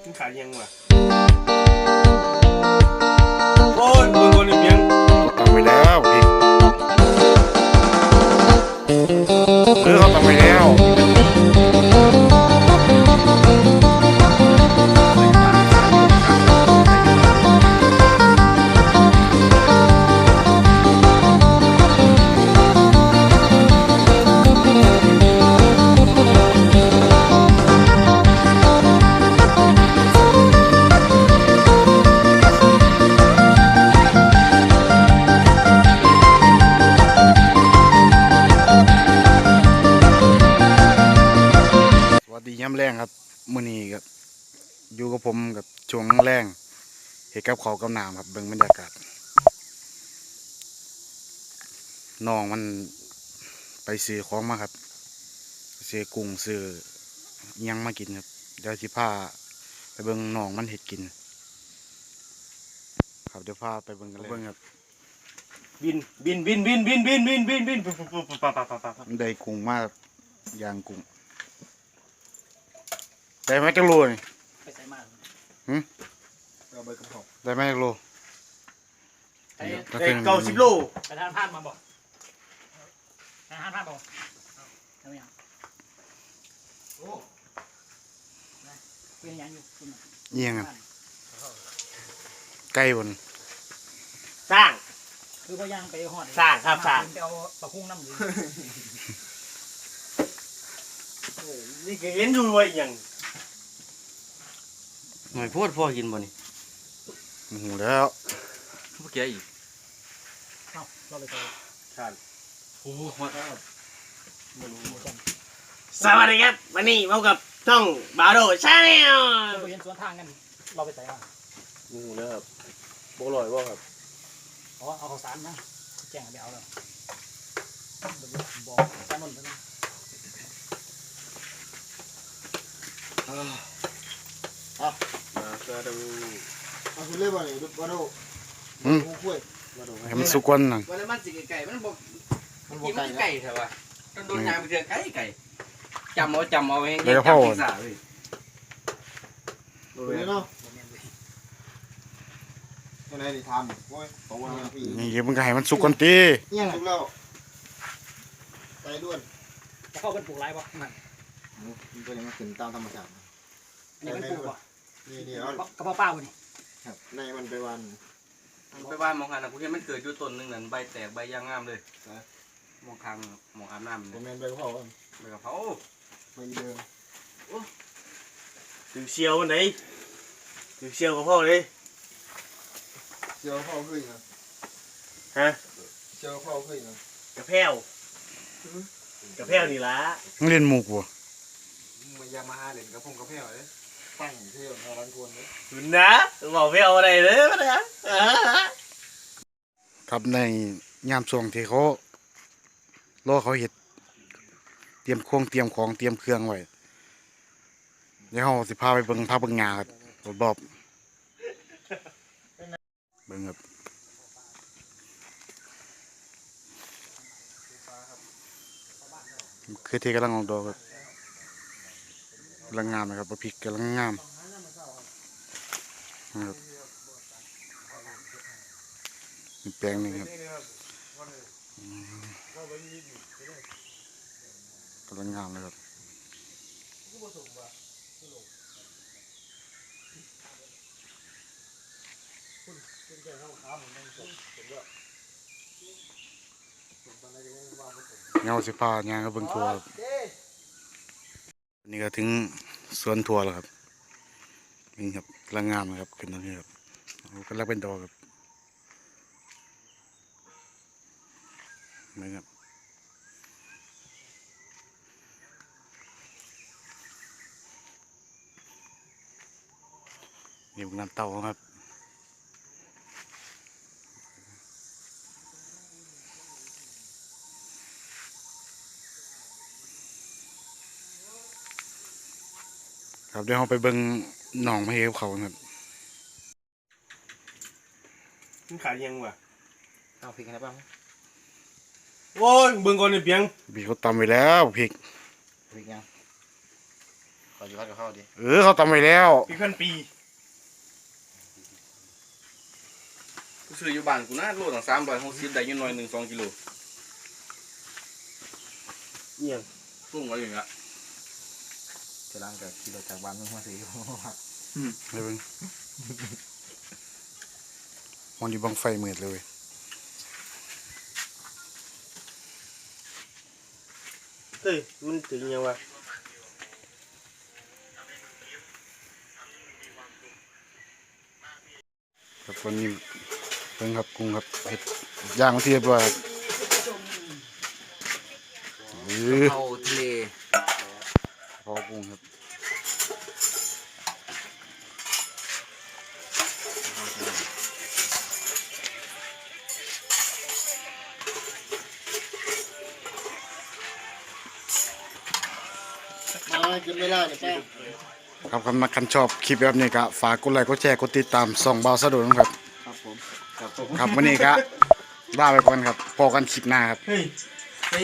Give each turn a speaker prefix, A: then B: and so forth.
A: มึงขายยังวะโอ้ยมึงคนเพียง
B: เขาทำไปแล้วพี่เขาทำไปแล้วดีย้ำแรงครับมื้อนี้กับอยู่กับผมกับช่วงแรงเห็ดกับเขากับน้ำครับเบิ่งบรรยากาศน้องมันไปซื้อของมาครับซื้อกุ้งซื้ออิหยังมากินครับเดี๋ยวสิพาไปเบิ่งน้องมันเห็ดกินครับเดี๋ยวพาไปเบิ่งกันเลยครับ
A: บิน
B: ได้กุ้งมากย่างกุ้งได้ไหมจักโลนี่
C: ไปใส่มาก
A: เอาไปกระเพาะ
B: ได้ไหมจักโล
A: 90 โล
C: ไปทานพลาดมาบอกทานพลาดบอกทำไมอ่ะโอ้เป็นยังอยู่คุณ
B: เยี่ยงครับไก่บน
A: สร้าง
C: คือพอย่างไปหอด
A: สร้างครับสร้าง
C: ไปเอาปลาคุ้งน้ำอยู่
A: นี่ก็เห็นอยู่ว่าอย่าง
D: หน่อยพูดพ่อกินบ่นี่
B: โอ้โหแล้ว
D: เมื่อกี้อีก
C: เราไปใส่
A: ท่าน
D: โอ้มา
A: สวัสดีครับวันนี้พบกับช่องบาโดชาแนล
C: เราไปเห็นสวนทางกันเราไปใส่มา
A: งูนะครับบ่ลอยว่าครับ
C: อ๋อเอาข้าวสารนะแจ้งไปเอาแล้วบอกแซมอนไปนะ
A: มาก็ดู
E: เอาคุณเล่บ่นี่บาโดกูคุย
B: ให้มันสุกวันหนึ่ง
D: วันมันสิไก่มันบอก
E: มันบ่
D: กิน
E: ไก่
D: ไก่ใช่ป่ะต้องโดนยาไปเจอไก่จำเอาเอง
B: เดี๋ยวพ่อ
D: สาเลย
E: ดูเลยเนาะยังไงดิทำโอ้ยตรงวันพี่
B: นี่เดี๋ยวมึงก็ให้มันสุกก่อนตี
E: เนี่ยสุกแล้วไก่ด้วน
C: จะเข้าเป็นปลูกไรป่ะมัน
E: ตัวนี้มันขึ้นตามธรรมชาติ
C: นี่มันปลูกป่ะ
E: นี่
C: กระเพาะป้าวันนี้
E: ครับในมันไปวัน
D: ไปบ้านมองหันนะกูเห็นมันเกิดอยู่ต้นนึงนั่นใบแตกใบย่างงามเลยมองคางมองอาบน้ำ
E: ผมเป็นใบกะเพรา
D: ใบกะเพรา
E: ใบเดิม
A: ถึงเชียวไหนถึงเชียวกับพ่อเลย
E: เจียวข้าวขึ้นนะ
A: ฮะ
E: เจียวข้าวขึ้นนะ
A: กระเพรานี่ละ
B: มึงเล่นหมูกวะ
E: มันยามาฮาเล่นกระพงกระเพราเลยตั้งเที่ยวในร้านกวนเลย
A: คุณนะบอกไม่เอาอะไรเลยนะครับ
B: ในยามช่วงที่เขารอเขาเห็ดเตรียมของเตรียมเครื่องไว้เดี๋ยวเขาสิพาไปเบิ่งงาครับรอบเบิ่งครับคือที่กำลังออกดอกครับกำลังงามนะครับพริกกำลังงามนะครับแปลงนึงครับกำลังงามเลยครับเงาสิพาเนี่ยก็เบิ่งทัวร์นี่ก็ถึงสวนทัวร์แล้วครับนี่ครับกำลังงามนะครับขึ้นตรงนี้ครับกำลังเป็นดอกครับนี่ครับนี่เป็นน้ำเต้าครับครับเดี๋ยวเราไปเบิ่งหนองไม่เอฟเขาครับ
A: มึงขายยังวะ
D: เอาพริกอะไรบ้าง
A: โอ้ยเบิ่งก่อนนี่เพียง
B: บีเขาตำไปแล้วพริก
D: พริกยัง
E: ขออยู่พัดกับข้าวดิ
B: เขาตำไว้แล้ว
C: ปีเพื่อนปี
D: กูซื้ออยู่บ้านกูนะโลตั้ง360ได้อยู่หน่อย1-2 กิโล
A: เยี่ยม
D: ตุ้งไว้อย่างเงี้ย
E: จะล้างกับขี่รถจากบ้านมึงมาสิ
B: ไปเบิ่งมันอยู่บังไฟมืดเลย
A: เฮ้ยมันถึงยังวะ
B: ครับวันนี้เพิ่งครับกุ้งครับเห็ดย่างมาที่เรียบร้อยครับ
E: เข้าทะเล
B: พอกุ้งครับ
A: มากินไม่ได้เนี่ยป้า
B: ครับคันชอบคลิปแบบนี้ก็ฝากกดไลค์กดแชร์กดติดตามส่องเบาสะดวกนะครับ
E: ครับผมครับผม
B: ครับวันนี้ก็ลาไปก่อนครับพอกันคลิปหน้าครับ
C: เฮ้ย